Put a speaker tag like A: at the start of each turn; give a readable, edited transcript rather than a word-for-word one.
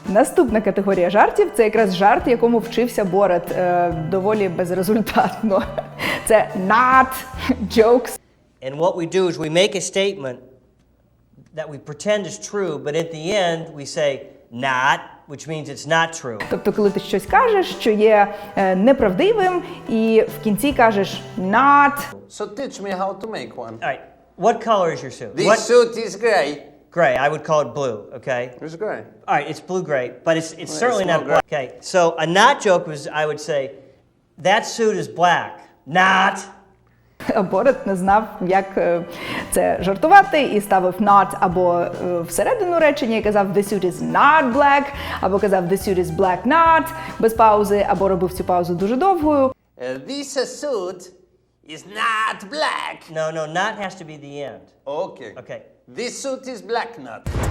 A: Наступна категорія жартів – це якраз жарт, якому вчився Борат доволі безрезультатно. Це not jokes.
B: And what we do is we make a statement that we pretend is true, but at the end we say not, which means it's not true.
A: Тобто, коли ти щось кажеш, що є неправдивим, і в кінці кажеш not.
C: So teach me how to make one.
B: All right, what color is your suit?
C: This
B: What?
C: suit is gray.
B: Gray, I would call it blue, okay?
C: It's gray.
B: All right, it's blue-gray, but it's certainly
C: it's
B: not
C: not
B: black. Okay, so a not joke was, I would say, that suit is black. Not.
A: А Борат не знав, як це жартувати, і ставив not або всередину речення і казав the suit is not black, або казав the suit is black not, без паузи, або робив цю паузу дуже довгою.
C: This suit is not black.
B: No, not has to be the end.
C: Okay.
B: Okay.
C: This suit is black not.